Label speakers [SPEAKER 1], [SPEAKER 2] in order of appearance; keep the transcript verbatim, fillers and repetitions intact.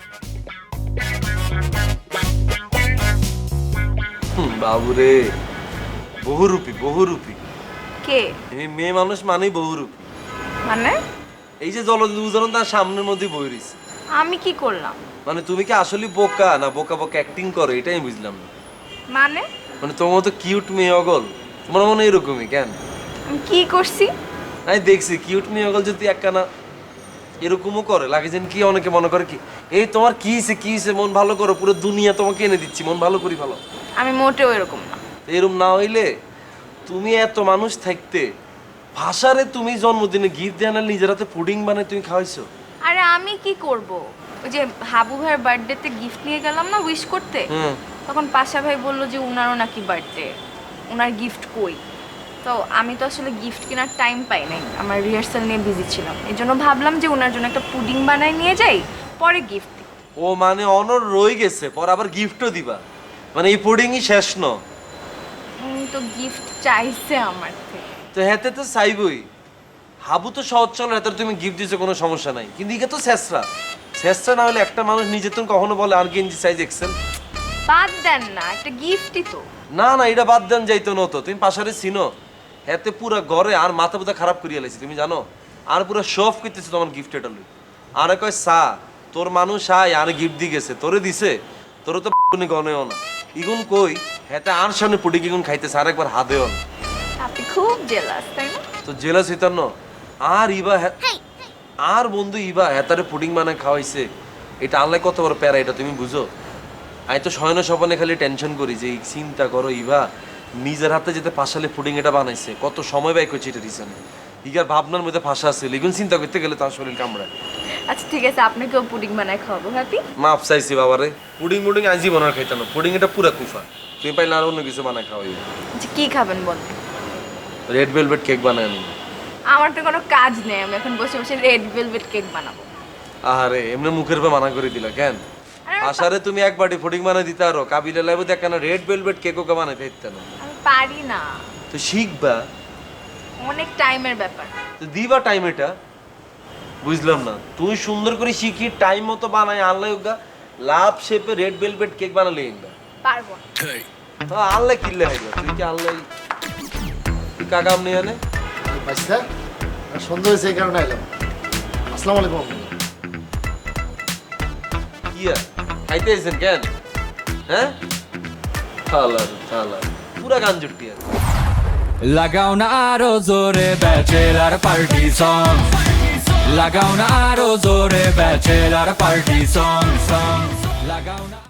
[SPEAKER 1] বাবুরে, বহুরূপী বহুরূপী।
[SPEAKER 2] কে?
[SPEAKER 1] এই মেয়ে মানুষ মানেই বহুরূপী।
[SPEAKER 2] মানে?
[SPEAKER 1] এই যে জলদি উদাহরণ তার সামনের মধ্যে বই রয়েছে।
[SPEAKER 2] আমি কি করলাম?
[SPEAKER 1] মানে তুমি কি আসলে বোকা না বোকা বোকা অ্যাক্টিং করো, এটাই বুঝলাম না।
[SPEAKER 2] মানে?
[SPEAKER 1] মানে তোমার তো কিউট মেয়ে অগল, তোমার মনে হয় এরকমই কেন?
[SPEAKER 2] আমি কি করছি?
[SPEAKER 1] আমি দেখছি কিউট মেয়ে অগল যদি একখানা এরকমও করে লাগে যেন কি অনেকে মনে করে কি এই তোমার কি হইছে কি হইছে মন ভালো করো, পুরো দুনিয়া তোমাকে এনে দিচ্ছি, মন ভালো করি ভালো।
[SPEAKER 2] আমি মোটেও এরকম না।
[SPEAKER 1] এরকম না হইলে তুমি এত মানুষ থাকতে ভাষারে তুমি জন্মদিনে গিফট দেয় না, নিজের হাতে পুডিং বানায় তুমি খাওয়াইছো।
[SPEAKER 2] আরে আমি কি করব? ওই যে হাবু ভাইয়ের বার্থডেতে গিফট নিয়ে গেলাম না উইশ করতে,
[SPEAKER 1] হুম।
[SPEAKER 2] তখন পাশা ভাই বললো যে উনারও নাকি বার্থডে, উনার গিফট কই। তো আমি তো আসলে গিফট কেনার টাইম পাই নাই, আমার রিহার্সাল নিয়ে বিজি ছিলাম, এই জন্য ভাবলাম যে উনার জন্য একটা পুডিং বানায় নিয়ে যাই, পরে গিফট দিই।
[SPEAKER 1] ও মানে অনর রয়ে গেছে, পর আবার গিফটও দিবা, মানে এই পুডিংই শেষ ন?
[SPEAKER 2] উনি তো গিফট চাইছে আমার থেকে।
[SPEAKER 1] তো হেতে তো চাইবই। হাবু তো সহজ চলো, হেতে তুমি গিফট দিছো কোনো সমস্যা নাই, কিন্তু ইকে তো শেষরা শেষরা না হলে একটা মানুষ নিজে তুমি কখনো বলে আর গেঞ্জি সাইজ এক্সেল।
[SPEAKER 2] বাদ দেন না, একটা গিফটই তো।
[SPEAKER 1] না না, এটা বাদ দেন যাইতো না তো, তুমি পাশারে চিনো, হেতে পুরা ঘরে আর মাথা পুথা খারাপ করিয়া লাইছি তুমি জানো, আর পুরো শফ করতেছে তোমার গিফট এটা লই। আরে কয় সা তোর মানুষ আয় আর গিফট দি গেছে, তোরে দিছে, তোরে তো কোনো গনেও না। ইগুন কই হেতে আর সামনে পুডি কিগুন খাইতেছে আর একবার হাতেও না।
[SPEAKER 2] আপনি খুব জেলাস তাই না?
[SPEAKER 1] তো জেলাস হইতার ন। আর ইবা হে- আর বন্ধু ইবা হেতারে পুডিং বানায় খাওয়াইছে, এটা আনলাই কত বড় প্যারা, এটা তুমি বুঝো? আমি তো শয়ন স্বপনে খালি টেনশন করি যে এই চিন্তা করো ইভা নিজের হাতে যেতে পাশালে পুডিং এটা বানাইছে, কত সময় ব্যয় করছে এটা রিসেন্ট, ইগার ভাবনার মধ্যে ফাঁসা আছে, লিগুন চিন্তা করতে গেলে তার শরীর কামড়ায়।
[SPEAKER 2] আচ্ছা ঠিক আছে, আপনাকেও পুডিং বানায় খাওয়াবো। হ্যাপি?
[SPEAKER 1] মাপ চাইছি বাবারে, পুডিং মুডিং আজই বানার খাইতাম না, পুডিং এটা পুরা কুফা, তুমি পাইলে আর অন্য কিছু বানায় খাওয়াই।
[SPEAKER 2] আচ্ছা কি খাবেন বলেন?
[SPEAKER 1] রেড ভেলভেট কেক বানায় আমি।
[SPEAKER 2] আমার তো কোনো কাজ নেই, আমি এখন বসে বসে রেড ভেলভেট কেক বানাবো।
[SPEAKER 1] আহারে এমনি মুখের পর মানা করে দিলা কেন?
[SPEAKER 2] আরে
[SPEAKER 1] আসারে তুমি এক বাটি পুডিং বানাই দিতে আরো, কাবিলা লাইব দেখ না রেড ভেলভেট কেকও কে বানাইতে দিতে না।
[SPEAKER 2] আমি পারি না,
[SPEAKER 1] তো শিখবা,
[SPEAKER 2] অনেক টাইমের ব্যাপার।
[SPEAKER 1] তো দিবা টাইম এটা। বুঝলাম না, তুই সুন্দর করে শিখি টাইম মতো বানাই আনলাই ওগা লাভ শেপে রেড ভেলভেট কেক বানালে এগুলা
[SPEAKER 2] পারবো না।
[SPEAKER 1] তো আনলাই কিনলে হইলো, তুই কি আনলাই তুই কাকাম নিয়ে আনে।
[SPEAKER 3] বাচ্চা সন্ধ্যা হয়েছে এই কারণে এলাম। আসসালামু আলাইকুম।
[SPEAKER 1] কি আর খাইতে এসেছেন কেন? হ্যাঁ থালার থালা পুরা গান জুটি আর
[SPEAKER 4] লাগাও না আরো জোরে ব্যাচেলার পার্টি সং, লাগাও না আরো জোরে ব্যাচেলার পার্টি সং সং, লাগাও না।